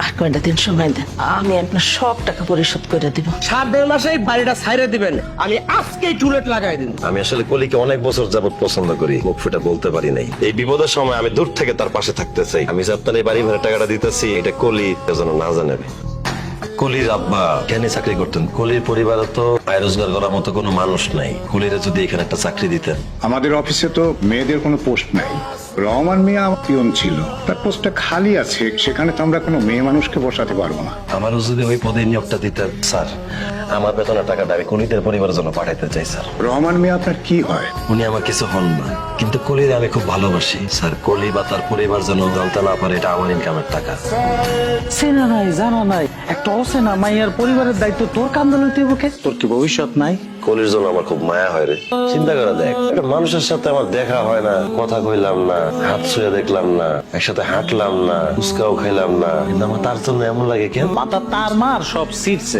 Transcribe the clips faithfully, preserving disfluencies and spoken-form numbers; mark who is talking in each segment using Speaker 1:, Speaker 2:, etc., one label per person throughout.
Speaker 1: আর কয়টা দিন সময় দেন, আমি আপনার সব টাকা পরিশোধ করে দিব।
Speaker 2: সাত দেড় মাসে বাড়িটা ছাইরে দিবেন, আমি আজকেই টুলেট লাগাই দিন।
Speaker 3: আমি আসলে কলিকে অনেক বছর যাবত পছন্দ করি, মুখ ফুটে বলতে পারি নাই। এই বিপদের সময় আমি দূর থেকে তার পাশে থাকতে চাই। আমি যে আপনার এই বাড়ি ভাড়া টাকাটা দিতেছি, এটা কলি যেন না জানাবে। কলির আব্বা কেন চাকরি করতেন? কলির পরিবারে তো আয় রোজগার করার মতো কোনো মানুষ নাই। কলিরা যদি এখানে একটা চাকরি দিতেন।
Speaker 4: আমাদের অফিসে তো মেয়েদের কোনো পোস্ট নাই। রহমান মিয়া আমার পিয়ন ছিল, তার পোস্টটা খালি আছে, সেখানে তো আমরা কোনো মেয়ে মানুষকে বসাতে পারবো না।
Speaker 3: আমারও যদি ওই পদে নিয়োগটা দিতেন স্যার, আমার বেতনের টাকাটা আমি কলিদের পরিবারের জন্য পাঠাইতে চাই স্যার।
Speaker 4: রহমান মিয়া আপনার কি হয়?
Speaker 3: উনি আমার কিছু হন না, কিন্তু কলির আমি খুব ভালোবাসি স্যার। কলি বা তার পরিবার যেন জানতে না পারে এটা আমার ইনকামের টাকা।
Speaker 5: চেনা নাই জানা নাই একটা অচেনা মাইয়ার পরিবারের দায়িত্ব তোর কান্দন তুই বুকে, তোর কি ভবিষ্যৎ নাই?
Speaker 3: কলির জন্য আমার খুব মায়া হয় রে। চিন্তা করে দেখ, একটা মানুষের সাথে আমার দেখা হয় না, কথা কইলাম না, হাত ছুঁয়ে দেখলাম না, একসাথে হাঁটলাম না, ফুচকাও খাইলাম না, কিন্তু আমার তার জন্য এমন লাগে কেন?
Speaker 5: মাথা তার মার সব ছিটছে।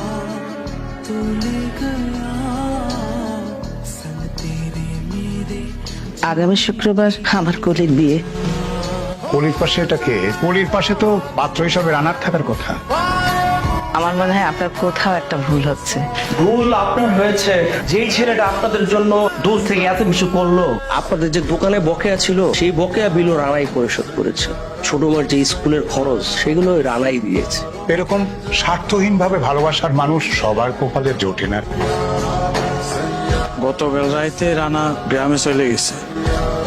Speaker 1: আগামী শুক্রবার আমার কলির বিয়ে।
Speaker 4: কলির পাশে এটা কে? কলির পাশে তো পাত্র হিসাবে রানার থাকার কথা।
Speaker 1: আমার মনে হয় আপনার কোথাও একটা ভুল হচ্ছে।
Speaker 2: ভুল আপনার হয়েছে। যেই ছেলেটা আপনাদের জন্য দূর থেকে এত কিছু করলো, আপনাদের যে দোকানে বকেয়া ছিল সেই বকেয়া বিলও রানাই পরিশোধ করেছে। ছোট মার যে স্কুলের খরচ সেগুলো ওই রানাই দিয়েছে।
Speaker 4: এরকম স্বার্থহীন ভাবে ভালোবাসার মানুষ সবার কপালে জোটে না।
Speaker 5: গতকাল রাইতে রানা গ্রামে চলে গেছে।